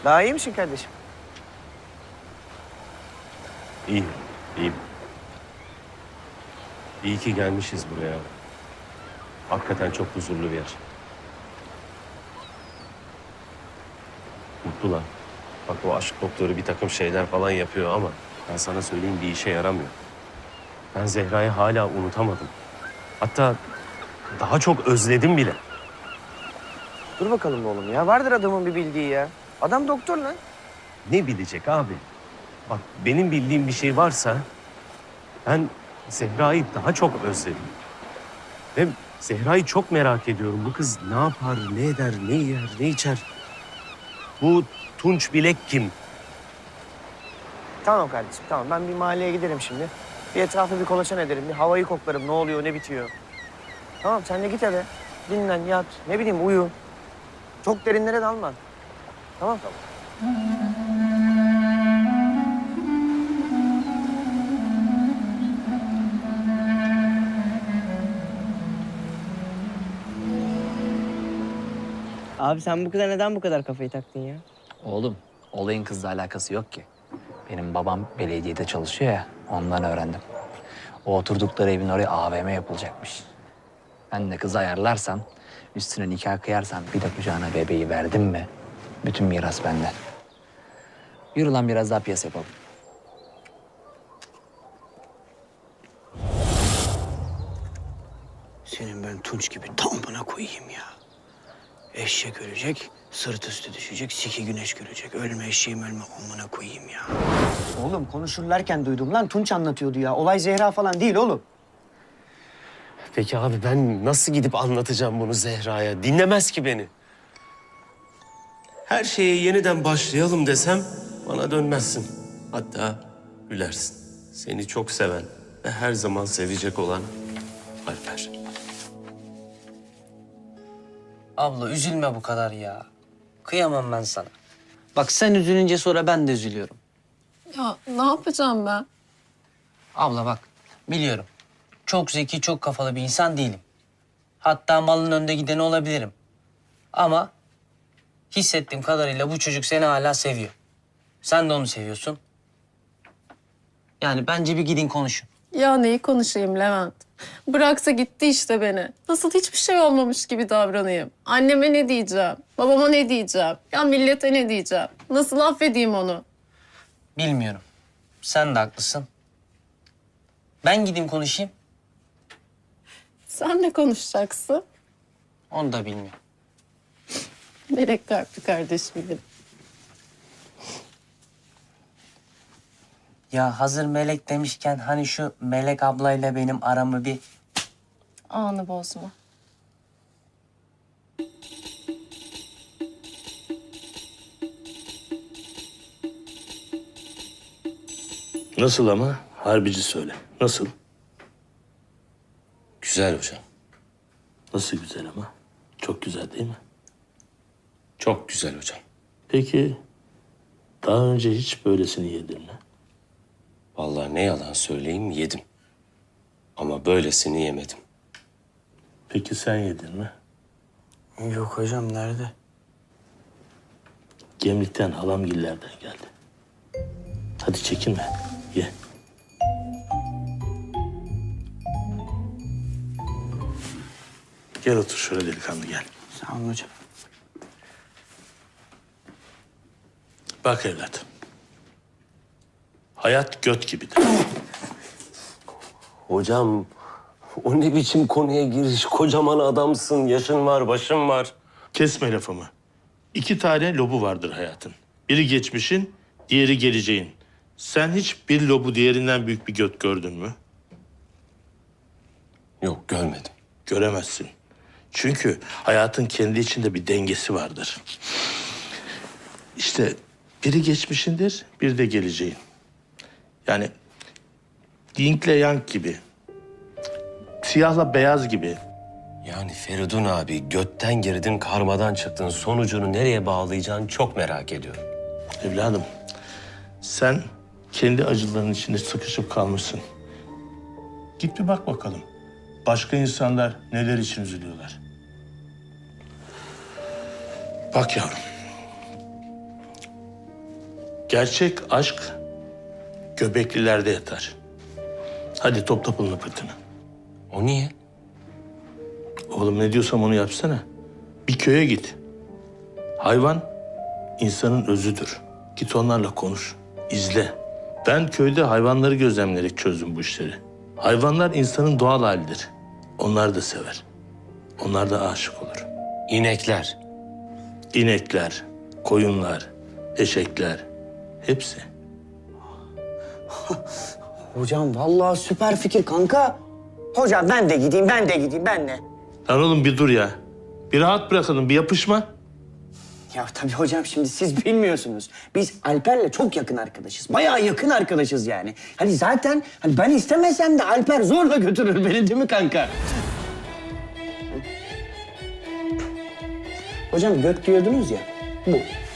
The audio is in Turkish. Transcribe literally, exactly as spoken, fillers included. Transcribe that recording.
Daha iyi misin kardeşim? İyiyim, iyiyim. İyi ki gelmişiz buraya. Hakikaten çok huzurlu bir yer. Mutlu lan. Bak o aşk doktoru bir takım şeyler falan yapıyor ama ben sana söyleyeyim bir işe yaramıyor. Ben Zehra'yı hala unutamadım. Hatta daha çok özledim bile. Dur bakalım oğlum ya. Vardır adamın bir bildiği ya. Adam doktor lan. Ne bilecek abi? Bak benim bildiğim bir şey varsa ben Zehra'yı daha çok özledim. Ve Zehra'yı çok merak ediyorum. Bu kız ne yapar, ne eder, ne yer, ne içer? Bu Tunç Bilek kim? Tamam kardeşim tamam. Ben bir mahalleye giderim şimdi. Bir etrafı bir kolaçan ederim. Bir havayı koklarım. Ne oluyor, ne bitiyor. Tamam sen de git eve. Dinlen, yat. Ne bileyim uyu. Çok derinlere dalma. Tamam tamam. Abi sen bu kıza neden bu kadar kafayı taktın ya? Oğlum, olayın kızla alakası yok ki. Benim babam belediyede çalışıyor ya, ondan öğrendim. O oturdukları evin oraya A V M yapılacakmış. Ben de kızı ayarlarsam, üstüne nikah kıyarsam bir de kucağına bebeği verdim mi, bütün miras bende. Yürü lan biraz daha piyasa yapalım. Senin ben Tunç gibi tam koyayım ya. Eşek ölecek, sırt üstü düşecek, siki güneş görecek. Ölme eşeğim ölme amına koyayım ya. Oğlum konuşurlarken duydum lan Tunç anlatıyordu ya. Olay Zehra falan değil oğlum. Peki abi ben nasıl gidip anlatacağım bunu Zehra'ya? Dinlemez ki beni. Her şeye yeniden başlayalım desem bana dönmezsin. Hatta gülersin. Seni çok seven ve her zaman sevecek olan Alper. Abla üzülme bu kadar ya. Kıyamam ben sana. Bak sen üzülünce sonra ben de üzülüyorum. Ya ne yapacağım ben? Abla bak biliyorum. Çok zeki, çok kafalı bir insan değilim. Hatta malın önde gideni olabilirim. Ama hissettiğim kadarıyla bu çocuk seni hala seviyor. Sen de onu seviyorsun. Yani bence bir gidin konuşun. Ya neyi konuşayım Levent? Bıraksa gitti işte beni. Nasıl hiçbir şey olmamış gibi davranayım? Anneme ne diyeceğim? Babama ne diyeceğim? Ya millete ne diyeceğim? Nasıl affedeyim onu? Bilmiyorum. Sen de haklısın. Ben gideyim konuşayım. Sen ne konuşacaksın? Onu da bilmiyorum. Melek kalpli kardeşim benim. Ya hazır Melek demişken hani şu Melek ablayla benim aramı bir... Anı bozma. Nasıl ama? Harbici söyle. Nasıl? Güzel hocam. Nasıl güzel ama? Çok güzel değil mi? Çok güzel hocam. Peki daha önce hiç böylesini yedin mi? Vallahi ne yalan söyleyeyim yedim. Ama böylesini yemedim. Peki sen yedin mi? Yok hocam nerede? Gemlikten halamgillerden geldi. Hadi çekinme. Ye. Gel otur şöyle delikanlı gel. Sağ olun hocam. Bak evlat. Hayat göt gibidir. Hocam o ne biçim konuya giriş? Kocaman adamsın, yaşın var, başın var. Kesme lafımı. İki tane lobu vardır hayatın. Biri geçmişin, diğeri geleceğin. Sen hiç bir lobu diğerinden büyük bir göt gördün mü? Yok görmedim. Göremezsin. Çünkü hayatın kendi içinde bir dengesi vardır. İşte biri geçmişindir, bir de geleceğin. Yani Ying'le Yang gibi. Siyahla beyaz gibi. Yani Feridun abi götten girdin, karmadan çıktın. Sonucunu nereye bağlayacağını çok merak ediyorum. Evladım, sen kendi acıların içinde sıkışıp kalmışsın. Git bir bak bakalım. Başka insanlar neler için üzülüyorlar. Bak yavrum. Gerçek aşk göbeklilerde yatar. Hadi topla pılını pırtını. O niye? Oğlum ne diyorsam onu yapsana. Bir köye git. Hayvan insanın özüdür. Git onlarla konuş, izle. Ben köyde hayvanları gözlemleyerek çözdüm bu işleri. Hayvanlar insanın doğal halidir. Onlar da sever. Onlar da aşık olur. İnekler. İnekler, koyunlar, eşekler hepsi. Hocam vallahi süper fikir kanka. Hocam ben de gideyim, ben de gideyim, ben de. Lan oğlum bir dur ya. Bir rahat bırakalım, bir yapışma. Ya tabii hocam şimdi siz bilmiyorsunuz. Biz Alper'le çok yakın arkadaşız. Bayağı yakın arkadaşız yani. Hani zaten hani ben istemesem de Alper zorla götürür beni değil mi kanka? Hocam gök diyordunuz ya. Bu.